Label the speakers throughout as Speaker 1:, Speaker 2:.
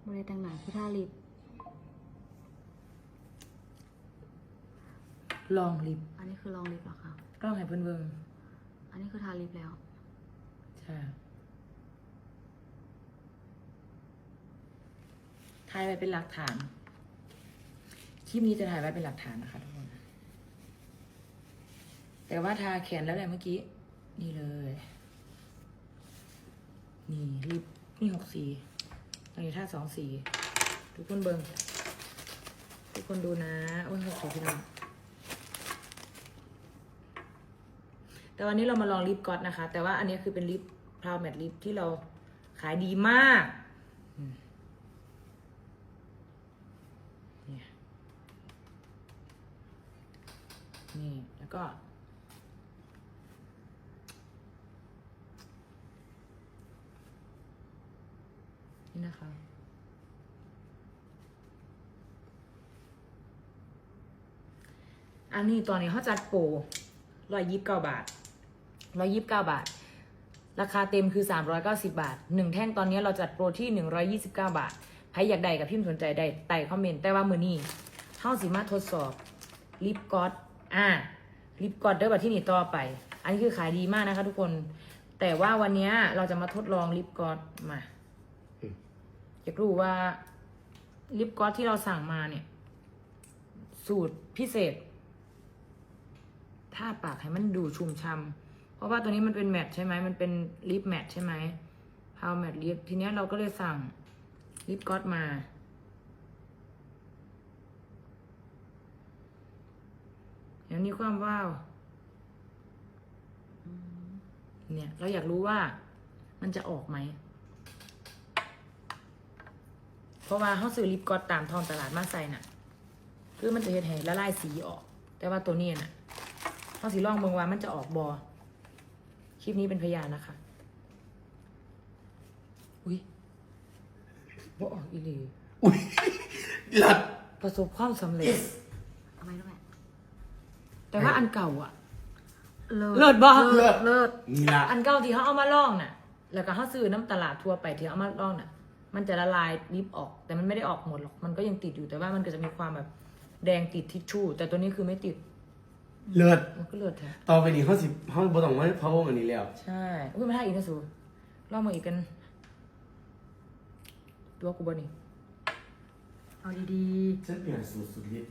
Speaker 1: บริแต่งหน้าคือท่าลิป
Speaker 2: ลองลิป
Speaker 1: อันนี้คือลองลิปเหรอคะ
Speaker 2: กล้องให้เพิ่นเบิ่ง
Speaker 1: อันนี้คือทาลิปแล้ว
Speaker 2: ใช่ถ่ายไว้เป็นหลักฐานคลิปนี้จะถ่ายไว้เป็นหลักฐานนะคะทุกคนแต่ว่าทาแขนแล้วแหละเมื่อกี้นี่เลยนี่ลิปนี่6 สีอันนี้ท่า2 สีทุกคนเบิ่งทุกคนดูนะโอ้ย6 สีพี่น้องแต่วันนี้เรามาลองลิปก๊อตนะคะแต่ว่าอันนี้คือเป็นลิปพราวแมทลิปที่เราขายดีมากนี่แล้วก็นี่นะคะอันนี้ตอนนี้เขาจัดโปร129 บาท129 บาทราคาเต็มคือ390 บาท1แท่งตอนนี้เราจัดโปรที่129 บาทใครอยากได้กับพิมพ์สนใจได้ใต้คอมเมนต์แต่ว่ามื้อนี้เฮาสิมาทดสอบลิปก๊อตลิปก๊อตเด้อบัดที่นี่ต่อไปอันนี้คือขายดีมากนะคะทุกคนแต่ว่าวันนี้เราจะมาทดลองลิปก๊อตมาอยากรู้ว่าลิปก๊อตที่เราสั่งมาเนี่ยสูตรพิเศษถ้าปากให้มันดูชุ่มช่ำเพราะว่าตัวนี้มันเป็นแมทใช่ไหมมันเป็นลิปแมทใช่ไหมพาวแมทลิปทีนี้เราก็เลยสั่งลิปก๊อตมาอย่างนี้ความว้าวเนี่ยเราอยากรู้ว่ามันจะออกไหมเพราะว่าเขาซื้อลิปก๊อตตามท้องตลาดมาใส่น่ะคือมันจะเห็นละลายสีออกแต่ว่าตัวนี้น่ะเขาสีลองเบิ่งว่ามันจะออกบอคลิปนี้เป็นพยานนะคะอุ้ยบ่ออกอีหลี
Speaker 3: อุ้ยหลัด
Speaker 2: ประสบความสำเร็จ
Speaker 1: ทำไมด้วย
Speaker 2: แต่ว่าอันเก่าอ่ะ
Speaker 1: เลิ
Speaker 2: เลิศบ่
Speaker 1: เลิศ
Speaker 3: นี่ละ
Speaker 2: อันเก่าที่เขาเอามาลองน่ะแล้วก็เขาซื้อน้ำตลาดทั่วไปที่เขาเอามาลองน่ะมันจะละลายลิปออกแต่มันไม่ได้ออกหมดหรอกมันก็ยังติดอยู่แต่ว่ามันก็จะมีความแบบแดงติดทิชชู่แต่ตัวนี้คือไม่ติด
Speaker 3: เลือด
Speaker 2: มันก็เลือดแท้
Speaker 3: ต่อไปนี้เขาบ่ต้องไว้เพราะวงอันนี้แล้ว
Speaker 2: ใช่อุ้ยมาท่าอีกนะสูลองมาอีกกันตัวกูบ่นี่
Speaker 1: เอาดี
Speaker 3: ฉันเปลี่ยนสูตรสุดฤทธิ์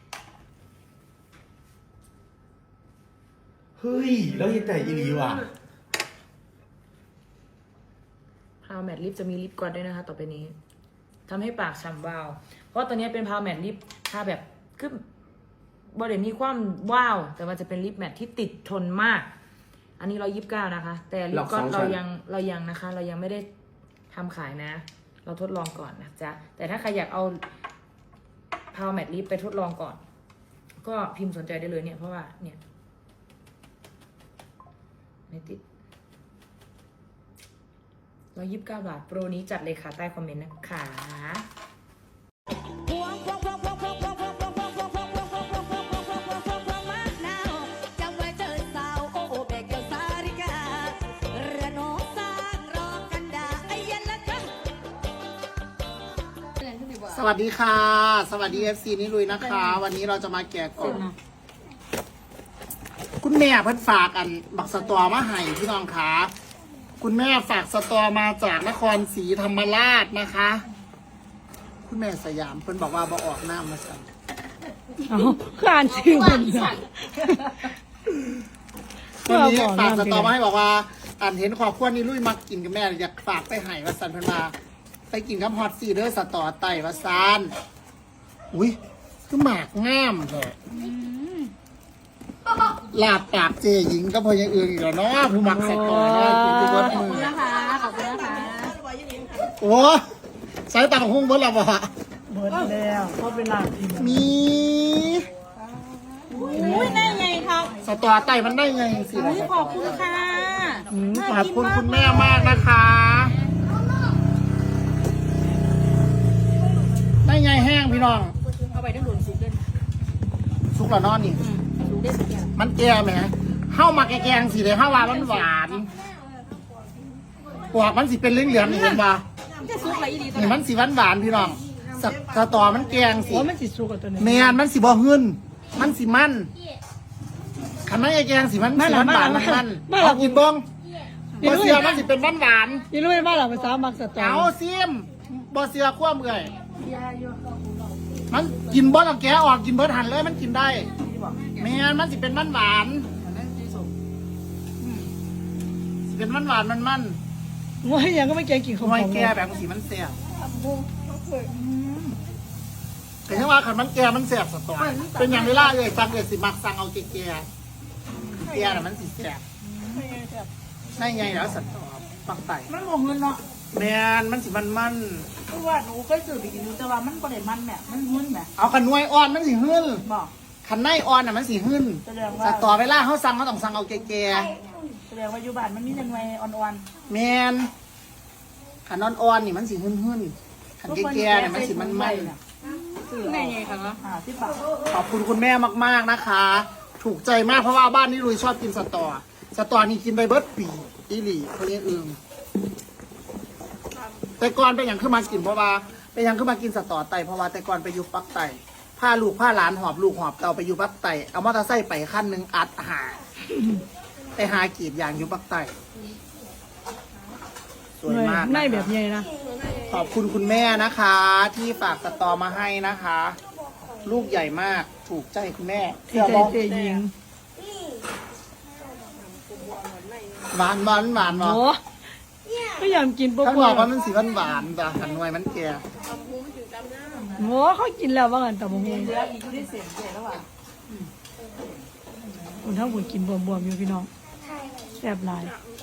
Speaker 3: เฮ้ยแล้วยังแต่อีหลีว่ะ
Speaker 2: พาวแมทลิปจะมีลิปกลอสด้วยนะคะต่อไปนี้ทำให้ปากฉ่ำวาวเพราะตัวนี้เป็นพาวแมทลิปทาแบบคือบริเวณมีความว้าวแต่ว่าจะเป็นลิปแมทที่ติดทนมาก อันนี้129นะคะแต่ลิปกลอสเรายังนะคะเรายังไม่ได้ทำขายนะเราทดลองก่อนนะจ๊ะแต่ถ้าใครอยากเอาพาวแมทลิปไปทดลองก่อนก็พิมพ์สนใจได้เลยเนี่ยเพราะว่าเนี่ยไม่ติด129 บาทโปรนี้จัดเลยค่ะใต้คอมเมนต์นะคะ
Speaker 4: สวัสดีค่ะ สวัสดี FC นิลุยนะคะ วันนี้เราจะมาแกะกล่องคุณแม่เพิ่นฝากอันบักสตอมาให้พี่น้องคะคุณแม่ฝากสตอมาจากนครศรีธรรมราชนะคะ คุณแม่สยามเพิ่นบอกว่าบ่ออกหน้ามาสั่น
Speaker 2: อ่านชื่อมัน
Speaker 4: วันนี้ฝากสตอมาให้บอกว่าอันเห็นขอบคุณนิลุยมักกินกับแม่อยากฝากไปให้ว่าสั่นเพิ่นมาไปกินกับฮอตซีเดอร์สตอไต่ว่าซานอุ้ยคือหมากงามแท้ลาบปากเจหญิงก็พอยังอื่นอีกแล้วเนาะผู้มักสตอเนาะกินทุกวันมือ
Speaker 1: ๆนะคะขอบคุณนะคะ
Speaker 4: โอ้ใส่ตังหุ้งเบิดและบ่
Speaker 2: เบิร์ดแล้วเพราะเป็นลาบที
Speaker 4: มี
Speaker 1: อุ้ยได้ไงครับ
Speaker 4: สตอไต่มันได้ไงสิ
Speaker 1: ขอบคุณค่ะ
Speaker 4: ขอบคุณคุณแม่มากนะคะได้ไงแห้งพี่น้อง
Speaker 1: เอาไปทั้งหมดสุกเลย
Speaker 4: สุกแล้วเนอนนี่
Speaker 1: สุกได้สุกอย่าง
Speaker 4: มันแก่ไหมเข้ามาแกงๆสิเลยเข้าว่ามันหวานปอกมันสิเป็นเหลืองๆนี่เห็นปะ
Speaker 1: จะซุกอะไรดีตัว
Speaker 4: นี่
Speaker 1: ไหน
Speaker 4: มันสีหวานๆพี่น้องสตอมันแกงสิ
Speaker 2: โอ้มันสิสุกกับตัวนี้
Speaker 4: แมนมันสีบ่หึนมันสีมันคันไม่ไอ้แกงสีมันสีหวานๆมันเอากินบ้องบอเสียมันสิเป็นหวาน
Speaker 2: ยี่รู้ไหมว่าเราภาษามักส
Speaker 4: ๆ
Speaker 2: ตอ
Speaker 4: เอาซิมบอเสียคว่ำเลยมันกินบ่ต้องแกะออกกินเบิดหันเลยมันกินได้แมนมันสิเป็นหวานสิเป็นหวานมัน
Speaker 2: ว่ายังก็ไม่แกงกินของ
Speaker 4: ไม่แก่แบบสีมันแสบแต่ถ้าว่าขันมันแก่มันแสบสตอเป็นอย่างเวลาเลยสั่งเลยสิมักสั่งเอาแก่แก่น่ะมันสิแสบได้ไงแล้วสตอปักไต
Speaker 5: มันบ่เงินเนาะ
Speaker 4: แมนมันสิมัน
Speaker 5: เพราะว่าหนูเคยซื้อไปกินอยู่แต่ว่ามันบ่ได้มันแหม่มันหึนแหม่
Speaker 4: เอาขันนวยอ่อนมันสิหึ่น
Speaker 5: บอก
Speaker 4: ขันในอ่อนน่ะมันสิหึ่น
Speaker 5: แสดง
Speaker 4: ส
Speaker 5: ว่า
Speaker 4: ตอเวลาเขาสั่งเขาต้องสั่งเอาแก่
Speaker 5: แสดงว่าอยู่บ้านมันมีแต่หน่วยอ่อน
Speaker 4: ๆแมนขันอ่อนๆนี่มันสิหึ่นขันแก่ๆเนี่ยมันสิมัน
Speaker 5: ซื้อ
Speaker 1: ไงไงคะเนาะ
Speaker 5: 50 บาท
Speaker 4: ขอบคุณคุณแม่มากๆนะคะ ถูกใจมากเพราะว่าบ้านนี้ลุยชอบกินสตอนี่กินไปเบิร์ดปีอีหลีเขาเรียกอึงแต่ก่อนเป็นอย่างขึ้นมากินเพราะว่าเป็นอย่างขึ้นมากินสตอไตเพราะว่าแต่ก่อนไปอยู่ปักไตพาลูกพาหลานหอบลูกหอบเตาไปอยู่ปักไตเอามอเตอร์ไซค์ไปขั้นหนึ่งอัดไปหากรีดยางอยู่ปักไตสวยมาก
Speaker 2: ในแบบใหญ่นะ
Speaker 4: ขอบคุณคุณแม่นะคะ ที่ฝากสตอมาให้นะคะ ลูกใหญ่มากถูกใจคุณแม่
Speaker 2: ที่ใจเจยิง
Speaker 4: หวานหวานหวาน
Speaker 2: โอ้ก็ยอมกินปุ๊บ
Speaker 4: ถ้าบอกว่ามันสีหวานหวานแต่หันหน่วยมันแก่
Speaker 2: โอ้เขากินแล้วว่ากันแต่บ่ฮู้
Speaker 5: เหลืออีกอยู่ที่เศษเศษแล้วว่า
Speaker 2: คนทั้งคนกินบวมๆอยู่พี่น้องแซ่บหลาย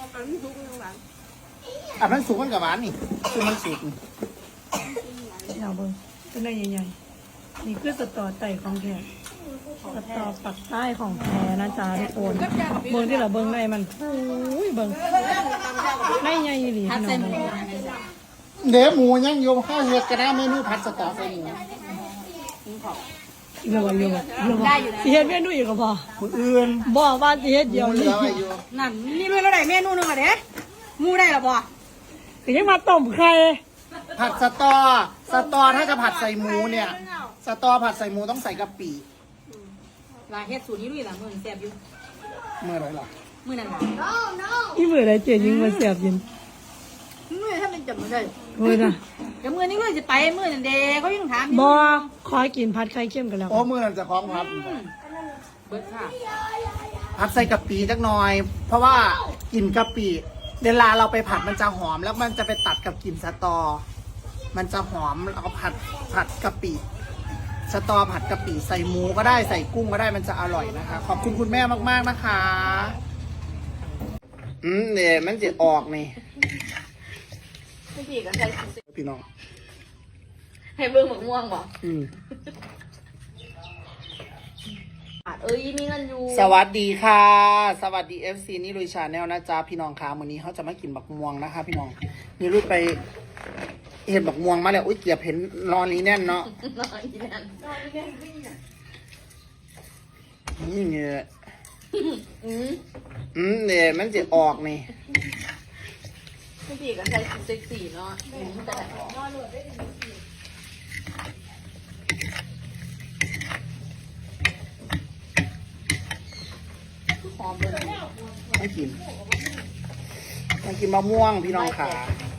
Speaker 4: อ่ะมันสุกมันกับหวานนี่คือมันสุกนี่
Speaker 2: เอาเบิ่งตัวนี้ใหญ่ๆนี่คือสตอไตของแท้สตอปักใต้ของแท้นะจ๊ะทุกคนเบิ่งที่เราเบิ่งในมันโอ้ยเบิ่งในใหญ่อีหลี
Speaker 1: ทัด
Speaker 2: พี่
Speaker 1: เส้น
Speaker 2: น้อง
Speaker 4: เดี๋ยวหมูยังโยมข้าวเห็ดกระด้าเมนูผัดสตอใส่หมู
Speaker 2: เรื่องว่าสิเฮ็ดเมนูอีกก็พอ
Speaker 4: คนอื่น
Speaker 2: บอกว่าสิเฮ็ด
Speaker 4: เห
Speaker 2: เดียว
Speaker 4: ลื
Speaker 2: นี้
Speaker 4: อไว้อยู่
Speaker 1: นั่นนี่เมื่อไรเมนูนึงอะเด้มูได้หรอบ่
Speaker 2: ก็ยังมาต้มไข่
Speaker 4: ผัดสตอถ้าจะผัดใส่หมูเนี่ยสตอผัดใส่หมูต้องใส่กะปิ
Speaker 1: ลาเฮ็ดสูตรนี้ด้วยล่ะมื้อแซ่บอยู่
Speaker 4: เมื่อไหรล่ะ
Speaker 1: มื้อนั้นล่ะ
Speaker 2: อีมื้อใดเจยิงมาแซ่บยิน
Speaker 1: มื้อถ้ามันจำบ่ได้
Speaker 2: โอ้ยนะ
Speaker 1: เดี๋ยวมื้อนี้มื้อสิไปมื้อนั้นเด้เขายังถาม
Speaker 2: บ่ขอกินผัดไข่เค็มกันแล้ว
Speaker 4: โอ้เมื่อนั้นจะคล้องครับ
Speaker 1: เบิดค่ะ
Speaker 4: ผัดใส่กะปิจักหน่อย เพราะว่ากลิ่นกะปิเวลาเราไปผัดมันจะหอมแล้วมันจะไปตัดกับกลิ่นสตอ มันจะหอมเราก็ผัดกะปิสตอผัดกะปิใส่หมูก็ได้ใส่กุ้งก็ได้มันจะอร่อยนะคะ ขอบคุณคุณแม่มากๆนะคะเนี่ยมันจะออกนี่
Speaker 1: พี่ก็ใส่
Speaker 4: พี่น้อง
Speaker 1: ให้เบิ่งหมกม่วงบ่
Speaker 4: อืม
Speaker 1: เอ้ยมีเงินอยู่
Speaker 4: สวัสดีค่ะ สวัสดี FC นี่ลุยชาแนลนะจ๊ะพี่น้องค่ะวันนี้เขาจะมากินบักม่วงนะคะ พี่น้องนี่ลุยไปเห็นบักม่วงมาแล้วอุ้ยเกียบเห็นนอนนี้แน่นเนาะ
Speaker 1: นอนอีนั่น
Speaker 4: นี่เนี่ย
Speaker 1: อืม
Speaker 4: เนี่ยมันจะออกนี่
Speaker 1: พี่ก็ใส่เซ็กซี่เนาะแต่หอมเลย
Speaker 4: ไม่กินมากินมะม่วงพี่น้องค่ะ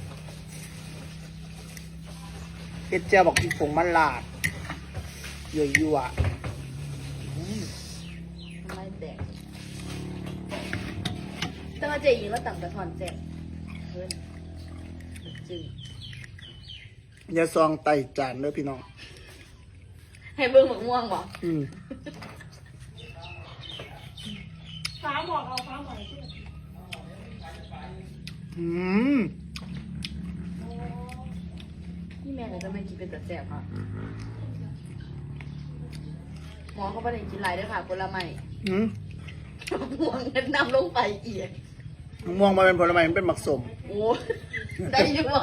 Speaker 4: เฮ็ดเจียวบอกกินผงมันลาดยั่ว
Speaker 1: ไม่แตกแต่ว่าเจยิงแล้วต่างแต่ถอนแจกเพิ่นจึง
Speaker 4: ๆอย่าซองไต่จานเด้อพี่น้อง
Speaker 1: ให้เบิ่งหมกม่วงบ่
Speaker 4: อืม
Speaker 2: ฟ้าบอกเอาฟ้าบอก
Speaker 4: อืม
Speaker 1: นี่แม่ก็จะไม่กินเป็นแต่แซ่บค่ะหมอเขาไม่ได้กินหลายด้วยค่ะผลไม้
Speaker 4: อืม
Speaker 1: ม่วงเงินนำลงไปอีก
Speaker 4: มะม่วงมาเป็นผลไม้มันเป็นหมักสม
Speaker 1: โอ้ได้อยู่บ่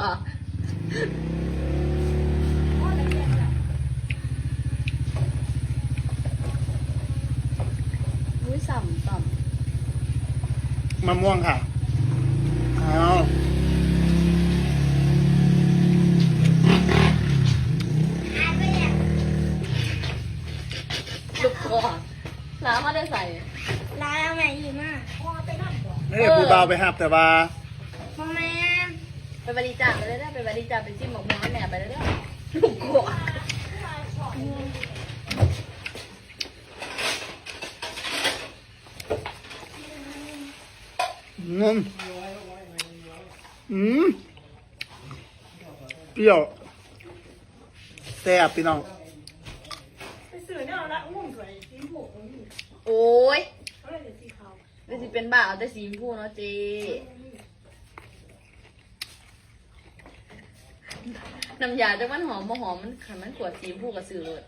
Speaker 1: อุ้ยสั่ม
Speaker 4: มะม่วงค่ะเอาเบาไปหับแต่ว่า
Speaker 1: พ่อแม่ไปบริจาคไปเลยนะไปบริจาคไปจิ้มหมกม่วงให้แม่ไปเลยนะลูกกวก
Speaker 4: เปรี้ยวแซ่บพี่น้อง
Speaker 1: โอ้ยไม่สิเป็นบ้าเอาแต่สีชมพูเนาะเจน้ำยาจังมันหอมบ่หอมมันขันมันขวดสีชมพูกับสื่อเลย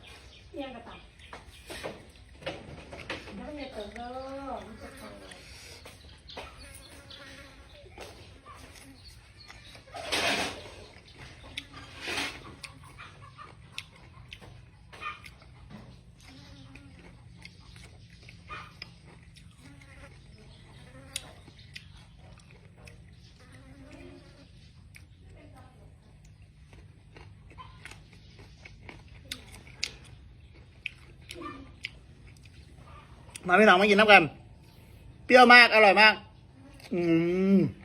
Speaker 4: มาพี่น้องมากินน้ำกัน เปรี้ยวมาก อร่อยมาก อืม